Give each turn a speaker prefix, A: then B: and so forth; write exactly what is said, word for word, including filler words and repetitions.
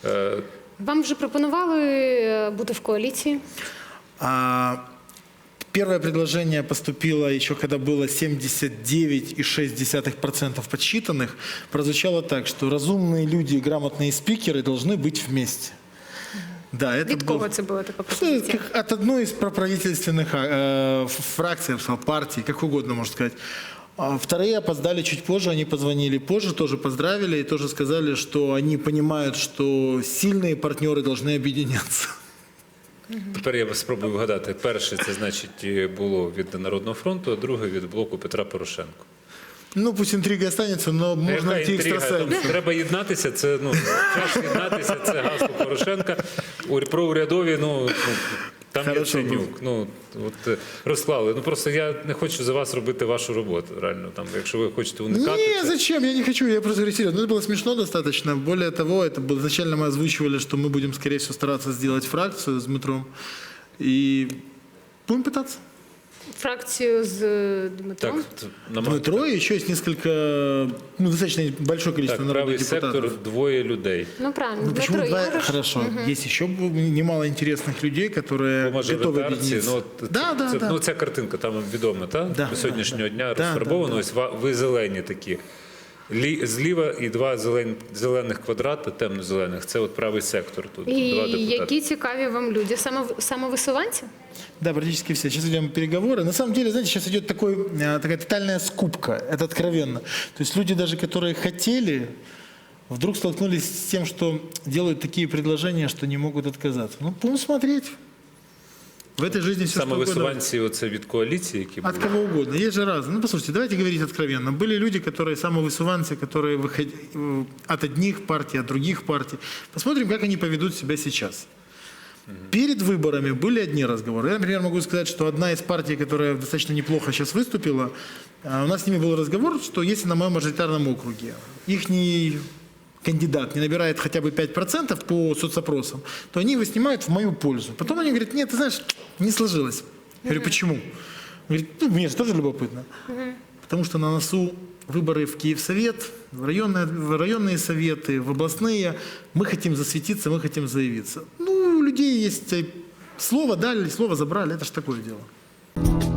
A: Вам вже пропонували бути в коаліції?
B: А, первое предложение поступило еще когда было семьдесят девять и шесть десятых процента подсчитанных. Прозвучало так, что разумные люди и грамотные спикеры должны быть вместе. Да, это
A: Від
B: был...
A: кого це була така пропозиція?
B: Как от одной из проправительственных э, фракций, партий, как угодно можно сказать. А вторые опоздали чуть позже, они позвонили позже, тоже поздравили и тоже сказали, что они понимают, что сильные партнеры должны объединяться.
C: Тепер я спробую вгадати. Перше, це значить було від Народного фронту, а друге від блоку Петра Порошенка.
B: Ну, пусть інтрига останется, но можна найти екстрасенсів.
C: Треба єднатися, це, ну, час єднатися, це гасло Порошенка. Про урядові, ну, там є Яценюк. Ну, от, розклали. Ну, просто я не хочу за вас робити вашу роботу, реально, там, якщо ви хочете уникати.
B: Не, зачем, я не хочу, я просто говорю серьезно. Ну, это было смешно достаточно. Более того, это было, изначально мы озвучивали, что мы будем, скорее всего, стараться сделать фракцию с Дмитром. И будем пытаться.
A: Фракцію з Дмитром?
C: Так,
B: Дмитро и еще есть несколько, ну, достаточно большое количество
C: так,
B: народных
C: правий
B: депутатов.
C: сектор, двоє людей.
A: Ну, правильно.
B: Ну, почему
A: Дмитро
B: два?
A: Ігореш.
B: Хорошо. Угу. Есть еще немало интересных людей, которые готовы объединиться.
C: Ну, от,
B: да, да,
C: це,
B: да.
C: ну, ця картинка там відома, так?
B: Да,
C: До сьогоднішнього
B: да,
C: дня
B: да,
C: розфарбовано.
B: да, да.
C: Ось ва- ви зелені такі. Лі, зліва і два зелен, зелених квадрата, темно-зелених. Це от правий сектор. Тут
A: І
C: два депутати.
A: які цікаві вам люди? Само, самовисуванці?
B: Да, практически все. Сейчас идем переговоры. На самом деле, знаете, сейчас идет такой, такая тотальная скупка. Это откровенно. То есть люди, даже которые хотели, вдруг столкнулись с тем, что делают такие предложения, что не могут отказаться. Ну, будем смотреть. В этой жизни все что угодно.
C: Самовисуванці оце від коаліції, які
B: От
C: були.
B: кого угодно. Есть же разные. Ну, послушайте, давайте говорить откровенно. Были люди, которые самовысуванцы, которые выходили от одних партий, от других партий. Посмотрим, как они поведут себя сейчас. Перед выборами были одни разговоры. Я, например, могу сказать, что одна из партий, которая достаточно неплохо сейчас выступила, у нас с ними был разговор, что если на моем мажоритарном округе ихний кандидат не набирает хотя бы пять процентов по соцопросам, то они его снимают в мою пользу. Потом они говорят, нет, ты знаешь, не сложилось. Я говорю, почему? Он говорит, ну, мне же тоже любопытно. Потому что на носу выборы в Киевсовет, в районные, в районные советы, в областные. Мы хотим засветиться, мы хотим заявиться. Ну, у людей есть слово дали, слово забрали. Это ж такое дело.